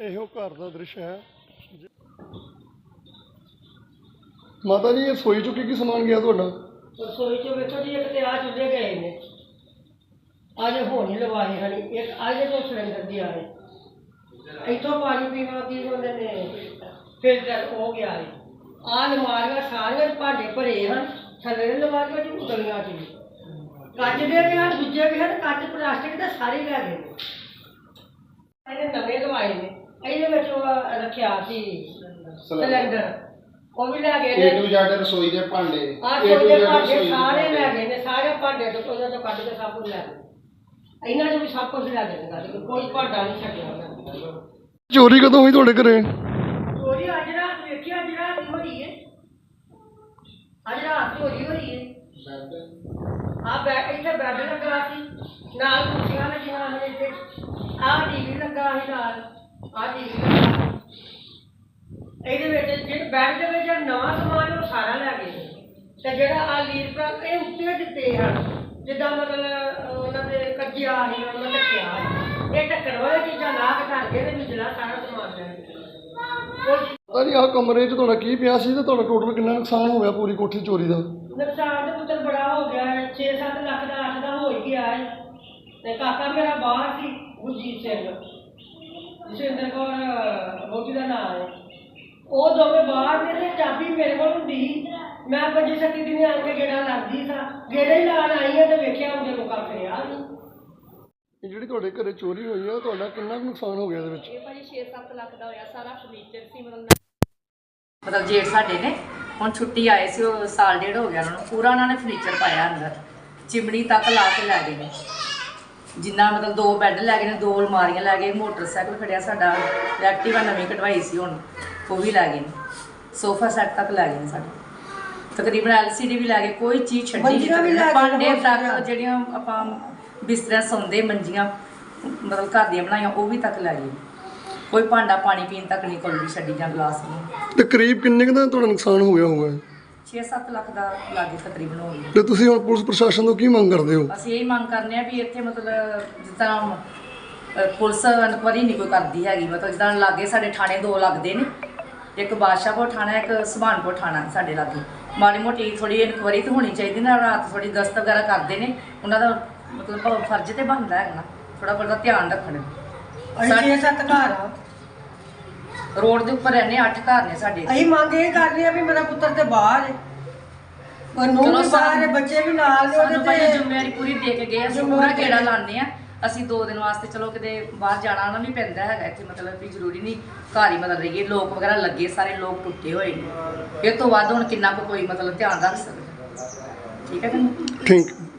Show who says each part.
Speaker 1: ਇਹੋ ਘਰ ਦਾ ਦ੍ਰਿਸ਼ ਹੈ। ਮਾਤਾ ਜੀ, ਇਹ ਰਸੋਈ ਚੋਂ ਕੀ ਸਮਾਨ ਗਿਆ ਤੁਹਾਡਾ?
Speaker 2: रसोई चो वेखो जी, एक तो आ चूल्हे गए ने, अज होनी लवाए हैं, एक अज तो सिलेंडर भी आए, इतों पानी पीने की उन्होंने फिल्टर हो गया है। आ लमारियां सारिया भांडे भरे हैं, थले लमारियां च उतलियां च भी कच के भी हैं, दूजे भी हैं, कच प्लास्टिक के सारे लै गए ने, नवे लवाए ने। ये रखा सिलेंडर ਉਹ ਵੀ ਲੈ ਗਏ ਨੇ।
Speaker 3: A to Z ਰਸੋਈ ਦੇ ਭਾਂਡੇ,
Speaker 2: ਰਸੋਈ ਦੇ ਭਾਂਡੇ ਸਾਰੇ ਲੈ ਗਏ ਨੇ, ਸਾਰੇ ਭਾਂਡੇ ਤੋਂ ਉਹਨਾਂ ਤੋਂ ਕੱਢ ਕੇ ਸਭ ਕੁਝ ਲੈ ਗਏ। ਇਹਨਾਂ ਚੋਂ ਵੀ ਸਭ ਕੁਝ ਲੈ ਗਏ ਨੇ, ਕੋਈ ਭਾਂਡਾ ਨਹੀਂ ਛੱਡਿਆ ਉਹਨਾਂ ਨੇ।
Speaker 1: ਚੋਰੀ ਕਦੋਂ ਹੋਈ ਤੁਹਾਡੇ ਘਰੇ?
Speaker 2: ਚੋਰੀ ਅੱਜ ਰਾਤ ਵੇਖਿਆ, ਅੱਜ ਰਾਤ ਹੋਈ ਹੈ, ਅੱਜ ਰਾਤ ਚੋਰੀ ਹੋਈ ਹੈ। ਇੱਥੇ ਬੈੱਡ ਲੱਗਾ ਸੀ, ਨਾਲ ਕੁਰਸੀਆਂ ਲੱਗੀਆਂ ਨੇ, ਇੱਥੇ ਆਹ ਟੀਵੀ ਲੱਗਾ ਸੀ, ਨਾਲ ਆਹ ਟੀਵੀ ਲੱਗਾ। ਇਹਦੇ ਵਿੱਚ ਜਿਹੜਾ ਬੈੱਡ ਦੇ ਵਿੱਚ ਜਿਹੜਾ ਨਵਾਂ ਸਮਾਨ ਉਹ ਸਾਰਾ ਲੈ ਗਏ ਤੇ ਜਿਹੜਾ ਆ ਲੀਰ ਪਰ ਇਹ ਉੱਤੇ ਦਿੱਤੇ ਹਨ, ਜਿੱਦਾਂ ਮਤਲਬ ਉਹਨਾਂ ਦੇ ਕੱਜਿਆ ਸੀ, ਉਹਨਾਂ ਨੇ ਢੱਕਿਆ, ਇਹ ਢੱਕਣ ਵਾਲੀ ਚੀਜ਼ਾਂ ਲਾ ਕੇ ਧਰ ਕੇ ਤੇ ਵਿਚਲਾ ਸਾਰਾ ਸਮਾਨ ਲੈ ਗਏ।
Speaker 1: ਪਤਾ ਨਹੀਂ ਆਹ ਕਮਰੇ 'ਚ ਤੁਹਾਡਾ ਕੀ ਪਿਆ ਸੀ ਤੇ ਤੁਹਾਡਾ ਟੋਟਲ ਕਿੰਨਾ ਨੁਕਸਾਨ ਹੋ ਗਿਆ ਪੂਰੀ ਕੋਠੀ ਚੋਰੀ ਦਾ?
Speaker 2: ਨੁਕਸਾਨ ਤਾਂ ਪੁੱਤਰ ਬੜਾ ਹੋ ਗਿਆ ਹੈ, 6-7 ਲੱਖ ਦਾ 8 ਦਾ ਹੋ ਹੀ ਗਿਆ ਹੈ। ਤੇ ਕਾਕਾ ਮੇਰਾ ਬਾਹਰ ਸੀ, ਗੁਰਜੀਤ ਸਿੰਘ, ਜਸਵਿੰਦਰ ਕੌਰ ਵਹੁਟੀ ਦਾ ਨਾਮ ਹੈ, ਉਹ ਦੋਵੇਂ ਬਾਹਰ ਨੇ ਤੇ ਚਾਬੀ ਮੇਰੇ ਕੋਲ ਹੁੰਦੀ ਸੀ। ਮੈਂ 25-26 ਦਿਨ ਆ ਕੇ ਗੇੜਾ ਲੱਗਦੀ ਸਾਂ, ਗੇੜੇ ਹੀ ਲਾਣ ਆਈ ਹਾਂ ਤੇ ਵੇਖਿਆ ਉਹਦੇ ਕੋਲ ਕੱਖ ਰਿਹਾ ਨਹੀਂ।
Speaker 1: ਜਿਹੜੀ ਤੁਹਾਡੇ ਘਰੇ ਚੋਰੀ ਹੋਈ ਆ ਤੁਹਾਡਾ ਕਿੰਨਾ ਕੁ ਨੁਕਸਾਨ ਹੋ ਗਿਆ ਇਹਦੇ ਵਿੱਚ?
Speaker 4: ਇਹ ਭਾਜੀ 6-7 ਲੱਖ ਦਾ ਹੋਇਆ, ਸਾਰਾ ਫਰਨੀਚਰ ਸੀ। ਮਤਲਬ ਜੇਠ ਸਾਡੇ ਨੇ ਹੁਣ ਛੁੱਟੀ ਆਏ ਸੀ, ਉਹ ਸਾਲ ਡੇਢ ਹੋ ਗਿਆ ਉਹਨਾਂ ਨੂੰ, ਪੂਰਾ ਉਹਨਾਂ ਨੇ ਫਰਨੀਚਰ ਪਾਇਆ ਅੰਦਰ, ਚਿਮਣੀ ਤੱਕ ਲਾ ਕੇ ਲੈ ਗਏ ਨੇ। ਜਿੰਨਾ ਮਤਲਬ 2 ਬੈੱਡ ਲੈ ਗਏ ਨੇ, 2 ਅਲਮਾਰੀਆਂ ਲੈ ਗਏ, ਮੋਟਰਸਾਈਕਲ ਖੜਿਆ ਸਾਡਾ, ਐਕਟਿਵਾ ਨਵੀਂ ਕਢਵਾਈ ਸੀ ਹੁਣ ਉਹ ਵੀ ਲੈ ਗਏ ਨੇ, ਸੋਫਾ ਸੈੱਟ ਤੱਕ ਲੈ ਗਏ ਨੇ ਸਾਡੇ, ਤਕਰੀਬਨ LCD ਵੀ ਲੈ ਗਏ, ਕੋਈ ਚੀਜ਼ ਛੱਡੀ ਨਹੀਂ। ਭਾਂਡੇ ਤੱਕ ਜਿਹੜੀਆਂ ਆਪਾਂ ਬਿਸਤਰਾ ਸੌਂਦੇ, ਮੰਜੀਆਂ ਮਤਲਬ ਘਰ ਦੀਆਂ ਬਣਾਈਆਂ ਉਹ ਵੀ ਤੱਕ ਲੈ ਗਏ। ਕੋਈ ਭਾਂਡਾ ਪਾਣੀ ਪੀਣ ਤੱਕ ਨਹੀਂ ਕੋਲ ਵੀ ਛੱਡੀ ਜਾਂ ਗਲਾਸ ਨਹੀਂ।
Speaker 1: ਤਕਰੀਬ ਕਿੰਨੇ ਕੁ ਦਾ ਤੁਹਾਡਾ ਨੁਕਸਾਨ ਹੋ ਗਿਆ ਹੋਊਗਾ?
Speaker 4: 6-7 ਲੱਖ ਦਾ ਲਾਗੇ ਤਕਰੀਬਨ ਹੋ ਗਿਆ।
Speaker 1: ਤੇ ਤੁਸੀਂ ਹੁਣ ਪੁਲਿਸ ਪ੍ਰਸ਼ਾਸਨ ਤੋਂ ਕੀ ਮੰਗ ਕਰਦੇ ਹੋ?
Speaker 4: ਅਸੀਂ ਇਹੀ ਮੰਗ ਕਰਨੇ ਆ ਵੀ ਇੱਥੇ ਮਤਲਬ ਜਿਸ ਤਰ੍ਹਾਂ ਪੁਲਿਸ ਇਨਕੁਆਰੀ ਨਹੀਂ ਕੋਈ ਕਰਦੀ ਹੈਗੀ, ਮਤਲਬ ਜਿੱਦਾਂ ਲਾਗੇ ਸਾਡੇ ਥਾਣੇ 2 ਲੱਗਦੇ ਨੇ, ਇੱਕ ਬਾਦਸ਼ਾਹਪੁਰ ਥਾਣਾ, ਇੱਕ ਸੁਭਾਨਪੁਰ ਥਾਣਾ ਸਾਡੇ ਲਾਗੇ। ਮਾੜੀ ਮੋਟੀ ਥੋੜ੍ਹੀ ਇਨਕੁਆਰੀ ਤਾਂ ਹੋਣੀ ਚਾਹੀਦੀ ਨਾ, ਰਾਤ ਥੋੜ੍ਹੀ ਗਸ਼ਤ ਵਗੈਰਾ ਕਰਦੇ ਨੇ, ਉਹਨਾਂ ਦਾ ਮਤਲਬ ਫਰਜ਼ ਤੇ ਬਣਦਾ ਹੈਗਾ ਨਾ ਥੋੜ੍ਹਾ ਬਹੁਤਾ ਧਿਆਨ ਰੱਖਣ।
Speaker 2: 6-7 ਘਰ ਆ,
Speaker 4: ਰੋਡ ਦੇ ਉੱਪਰ ਰਹਿੰਦੇ 8 ਘਰ ਨੇ ਸਾਡੇ।
Speaker 2: ਅਸੀਂ ਮੰਗ ਇਹ ਕਰਦੇ ਆ ਵੀ ਮੇਰਾ ਪੁੱਤਰ ਤੇ ਬਾਹਰ ਹੈ, ਉਹ ਨੂੰ ਵੀ ਬਾਹਰ ਹੈ, ਬੱਚੇ ਵੀ ਨਾਲ ਨੇ,
Speaker 4: ਸਾਨੂੰ ਭਾਈ
Speaker 2: ਉਹਦੇ
Speaker 4: ਜ਼ਿੰਮੇਵਾਰੀ ਪੂਰੀ ਦੇ ਕੇ ਗਏ, ਅਸੀਂ ਪੂਰਾ ਗੇੜਾ ਲਾਉਂਦੇ ਆ। ਅਸੀਂ 2 ਦਿਨ ਵਾਸਤੇ ਚਲੋ ਕਿਤੇ ਬਾਹਰ ਜਾਣਾ ਨਾ ਵੀ ਪੈਂਦਾ ਹੈਗਾ, ਇੱਥੇ ਮਤਲਬ ਵੀ ਜ਼ਰੂਰੀ ਨਹੀਂ ਘਰ ਹੀ ਮਤਲਬ ਰਹੀਏ। ਲੋਕ ਵਗੈਰਾ ਲੱਗੇ, ਸਾਰੇ ਲੋਕ ਟੁੱਟੇ ਹੋਏ ਨੇ, ਇਹ ਤੋਂ ਵੱਧ ਹੁਣ ਕਿੰਨਾ ਕੁ ਕੋਈ ਮਤਲਬ ਧਿਆਨ ਰੱਖ ਸਕਦਾ। ਠੀਕ ਹੈ ਜੀ,
Speaker 1: ਥੈਂਕ ਯੂ।